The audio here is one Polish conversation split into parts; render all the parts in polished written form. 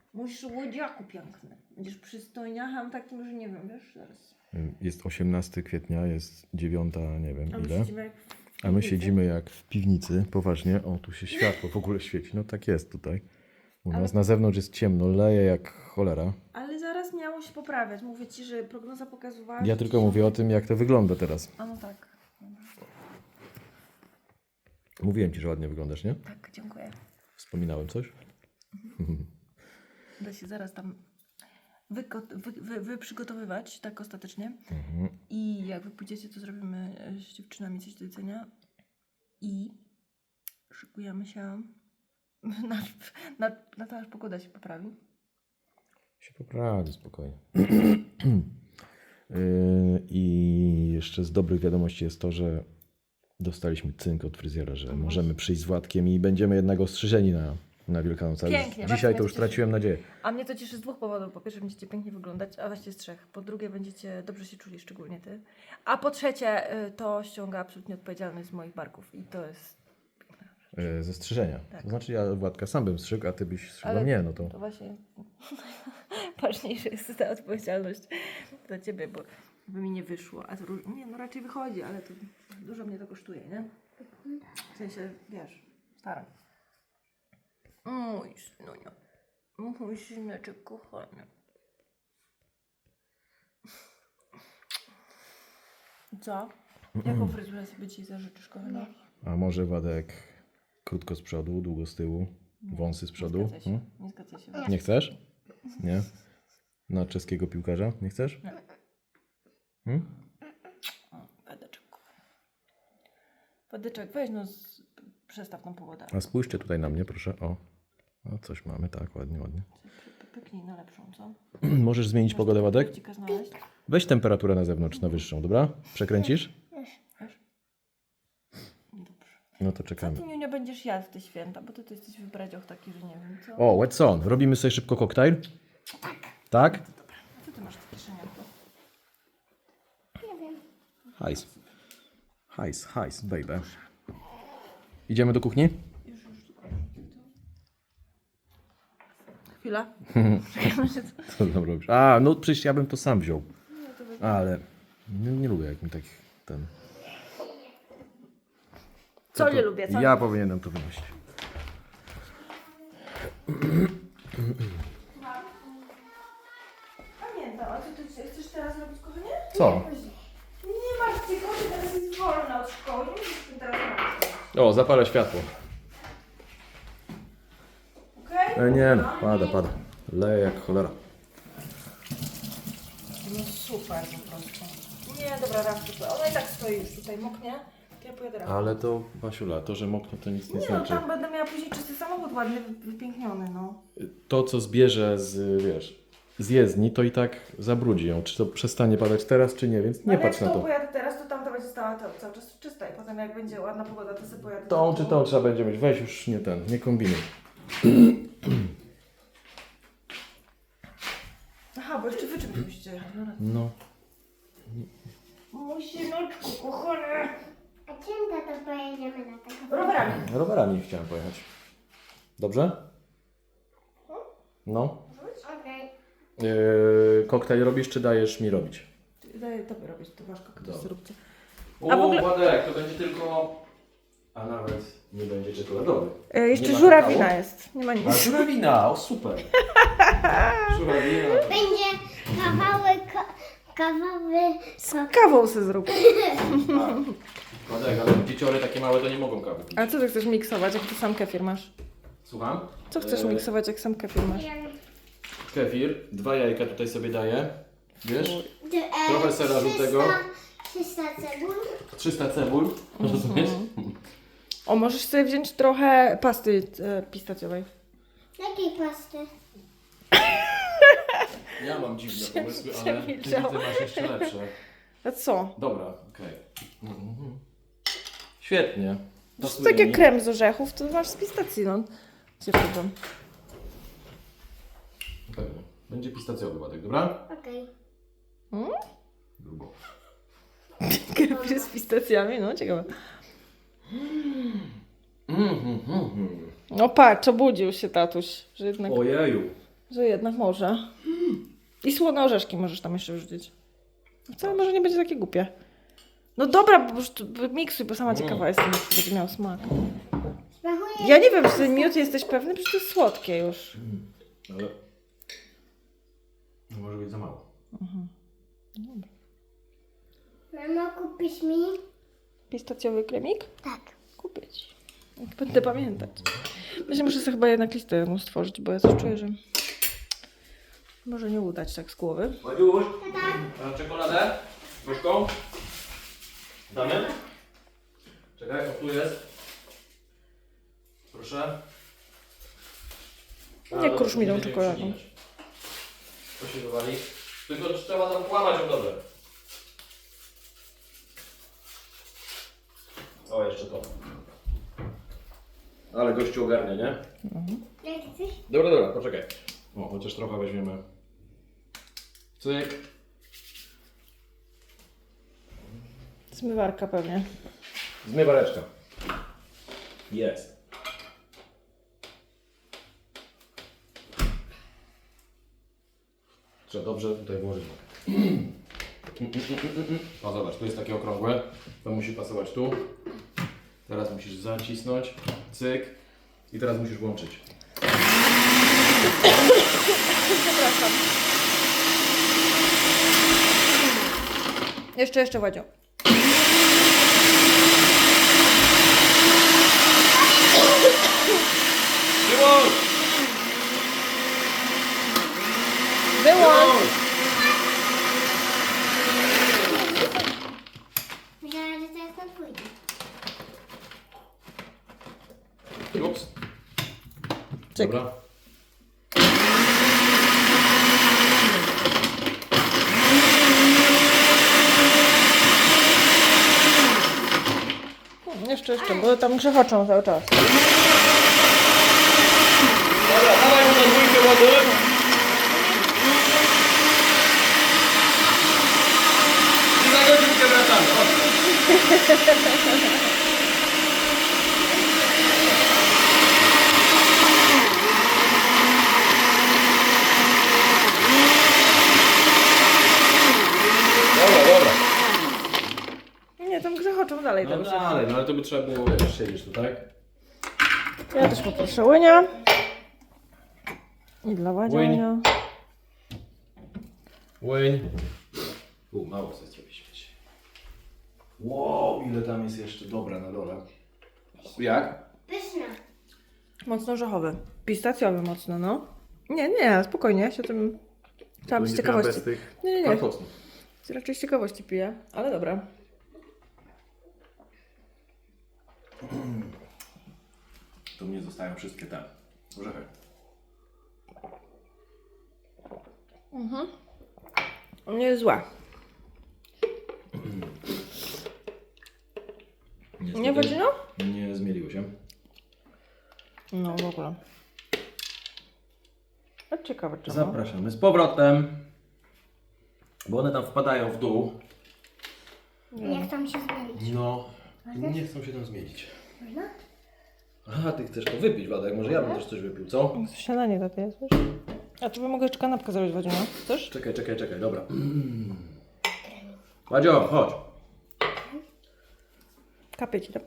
Mój słodziaku piękny. Będziesz przystojniachem takim, że nie wiem, wiesz, zaraz. Jest 18 kwietnia, jest 9, nie wiem A my ile. siedzimy jak w A my piwnicy. siedzimy jak w piwnicy, poważnie. O, tu się światło w ogóle świeci. No tak jest tutaj. U nas na zewnątrz jest ciemno, leje jak cholera. Ale zaraz miało się poprawiać. Mówię ci, że prognoza pokazywała... Ja że tylko dzisiaj- mówię o tym, jak to wygląda teraz. A no tak. Dobra. Mówiłem ci, że ładnie wyglądasz, nie? Tak, dziękuję. Wspominałem coś? Da się zaraz tam przygotowywać tak ostatecznie. I jak wy pójdziecie, to zrobimy z dziewczynami coś do jedzenia. I szykujemy się na to, aż pogoda się poprawi. Się poprawi, spokojnie. I jeszcze z dobrych wiadomości jest to, że dostaliśmy cynk od fryzjera, że możemy przyjść z Władkiem i będziemy jednak ostrzyżeni na Wielkanoc. Ale Pięknie, bardzo dzisiaj to mnie już cieszy. traciłem nadzieję. A mnie to cieszy z dwóch powodów. Po pierwsze, będziecie pięknie wyglądać, a właściwie z trzech. Po drugie, będziecie dobrze się czuli, szczególnie ty. A po trzecie, to ściąga absolutnie odpowiedzialność z moich barków. I to jest piękne. Ze strzyżenia. Tak. To znaczy ja Władka sam bym strzygł, a ty byś strzygła Ale mnie, no to... To właśnie ważniejsza jest ta odpowiedzialność za ciebie, bo by mi nie wyszło. A to nie, no raczej wychodzi, ale to dużo mnie to kosztuje, nie? W sensie, wiesz, staram. Mój synunio. Mój syneczek kochany. Co? Jaką fryzurę sobie dzisiaj zażyczysz, kochana? A może Władek krótko z przodu, długo z tyłu, wąsy z przodu? Nie zgadzaj się. Nie zgadzaj się. Nie chcesz? Nie? Na czeskiego piłkarza? Nie chcesz? Nie. Wadeczek. Wadeczek, weź no, przestaw tą pogodę. A spójrzcie tutaj na mnie, proszę. O, coś mamy, tak, ładnie, ładnie. Pyknij na lepszą, co? Możesz zmienić pogodę, Władek? Wójcika znaleźć? Weź temperaturę na zewnątrz, na wyższą, dobra? Przekręcisz? Dobrze. No to Co czekamy. ty, Niunio, będziesz jadł w te święta? Bo ty jesteś wybradzioch taki, że nie wiem, co? O, Watson, robimy sobie szybko koktajl? Tak? A co ty masz w kieszeniach? Hajs. Hajs, hajs, baby. Idziemy do kuchni? Już, tylko. Chwila. Co tam robisz? A, no przecież ja bym to sam wziął. Ale nie lubię jak mi tak ten... Co nie lubię, co? Ja powinienem to wynosić. Pamiętam, a co ty chcesz teraz robić, kochanie? Co? Nie masz tej koty, teraz jest wolna od szkoły. Nie musisz tym teraz robić. O, zapalę światło. Okej? Nie no, pada. Leje jak cholera. No super po prostu. Nie, dobra, raz tutaj. Ona i tak stoi już tutaj, moknie. To ja pojadę raz. Ale to, Basiula, to, że moknie, to nic nie Nie no, znaczy. tam będę miała później czysty samochód ładny, wypiękniony, no. To, co zbierze z, wiesz, z jezdni, to i tak zabrudzi ją. Czy to przestanie padać teraz, czy nie, więc nie Ale patrz na jak to. tą pojadę teraz, to tamta będzie stała cały czas czysta i potem jak będzie ładna pogoda, to sobie pojadę. Tą za czy tą trzeba będzie mieć. Weź już nie kombinuj. Aha, bo jeszcze wy czymś musicie jechać. No, No. mój syneczku, kochany. A czym tato pojedziemy na taką? Rowerami. Rowerami chciałem pojechać. Dobrze? No. Okej. Koktajl robisz, czy dajesz mi robić? Daję tobie robić, to wasz koktajl Dobra. zróbcie. O, A w ogóle- Władek, to będzie tylko... A nawet nie będzie czekoladowy. Jeszcze Nie ma żurawina kakao? jest, nie ma nic. A żurawina, o super. Żurawina. Będzie kawały Kawą se zrób. Władek, ale dzieciory takie małe to nie mogą kawy pić. A co ty chcesz miksować, jak ty sam kefir masz? Słucham? Co chcesz miksować, jak sam kefir masz? Kefir, 2 jajka tutaj sobie daję. Wiesz? Trochę sera żółtego. 300 cebul. 300 cebul. Rozumiesz? O, możesz sobie wziąć trochę pasty pistacjowej. Jakiej pasty? Ja mam dziwne pomysły, ale ty Przemilczał. widzę, masz jeszcze lepsze. A co? Dobra, okej. Świetnie. To Pasuje tak jak mi. krem z orzechów, to masz z pistacji, no. Gdzie wchodzą? Pewnie. Będzie pistacjowy Władek, dobra? Okej. Grubo. Kefir z pistacjami, no ciekawe. No patrz, obudził się tatuś, że jednak... Ojeju. Że jednak może. I słone orzeszki możesz tam jeszcze wrzucić. Wcale może nie będzie takie głupie. No dobra, bo już miksuj, bo sama ciekawa jestem, jak to będzie miał smak. Smakuje. Ja nie wiem, czy ten miód jesteś pewny, przecież to jest słodkie już. Ale... No może być za mało. Mamo, kupisz mi? Pistacjowy kremik? Tak. Kupię ci. Jak będę pamiętać. Myślę, muszę sobie chyba jednak listę mu stworzyć, bo ja coś czuję, że może nie udać tak z głowy. Madziuś, a czekoladę? Gorzką? Damy? Czekaj, o tu jest. Proszę. Nie krusz mi tą czekoladą. To się wywali. Tylko trzeba tam kłamać ją dobrze. O, jeszcze to. Ale gościu ogarnia, nie? Jak chcesz? Dobra, poczekaj. O, chociaż trochę weźmiemy. Cyk. Zmywarka pewnie. Zmywareczka. Jest. Trzeba dobrze tutaj włożyć. O, zobacz, tu jest takie okrągłe. To musi pasować tu. Teraz musisz zacisnąć. Cyk. I teraz musisz włączyć. Przepraszam. Jeszcze, Władzio. Wyłącz! Wyłącz! Myślałam, że teraz tam pójdzie. Ups. Cyk. Dobra. Jeszcze, bo tam grzechoczą cały czas. Dobra, dawaj mu na dwójkę wody. I za godzinkę wracamy. Chodź. Dobra. Nie, tam grzechoczą dalej. No tam się. dalej, no ale to by trzeba było, wiesz, siedzieć tu, tak? Ja też poproszę łynia. I dla Władzia Łyń. łynia. Łyń. Mało sobie zrobiliśmy dzisiaj. Wow, ile tam jest jeszcze dobra na dole. Jak? Pyszna. Mocno orzechowy. Pistacjowy mocno, no. Nie, spokojnie, ja się tym... Chciałam z ciekawości. Nie. Raczej z ciekawości piję, ale dobra. Tu mnie zostają wszystkie te orzechy. Nie jest zła. Nie Władzino? Nie zmieliło się. No w ogóle. A ciekawe czemu. Zapraszamy z powrotem. Bo one tam wpadają w dół. Jak tam się zmienić? No, nie chcą się tam zmienić. Można? Aha, ty chcesz to wypić, Władek. Może ja bym też coś wypił, co? Śniadanie takie jest, wiesz? A tu bym mogła jeszcze kanapkę zrobić, Władzino. Chcesz? Czekaj, dobra. Władzio, chodź. Kapię ci tam.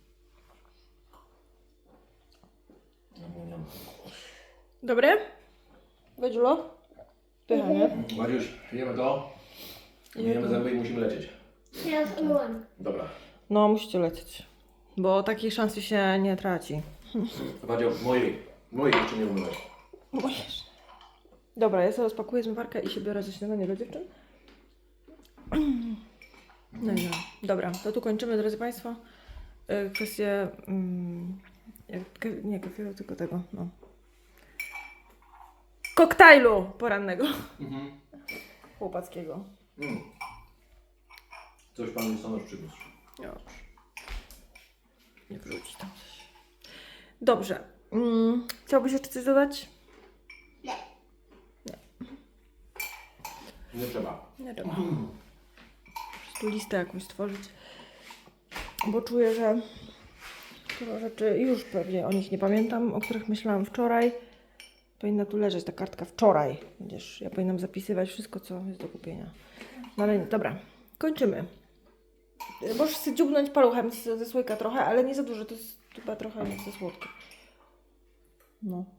Dobre? Władziulo? Pycha, nie? Władziuś, jemy to. Myjemy zęby i musimy lecieć. Teraz umyłam. Dobra. No, musicie lecieć. Bo takiej szansy się nie traci. Władzio, mojej jeszcze nie umyłeś. Możesz. Dobra, ja sobie rozpakuję zmywarkę i się biorę za śniadanie dla dziewczyn. No i dobra, to tu kończymy, drodzy Państwo. Kwestię... nie kafiru, tylko tego, no. Koktajlu porannego. Chłopackiego. Coś pan listonosz przyniósł. Już. Nie wrzuci tam coś. Dobrze. Chciałbyś jeszcze coś dodać? Nie trzeba. Nie trzeba. Po prostu listę jakąś stworzyć. Bo czuję, że dużo rzeczy już pewnie o nich nie pamiętam, o których myślałam wczoraj. Powinna tu leżeć ta kartka wczoraj. Będziesz, ja powinnam zapisywać wszystko, co jest do kupienia. No ale nie, dobra, kończymy. Możesz sobie dziubnąć paluchem ze słoika trochę, ale nie za dużo, to jest chyba trochę za słodko. No.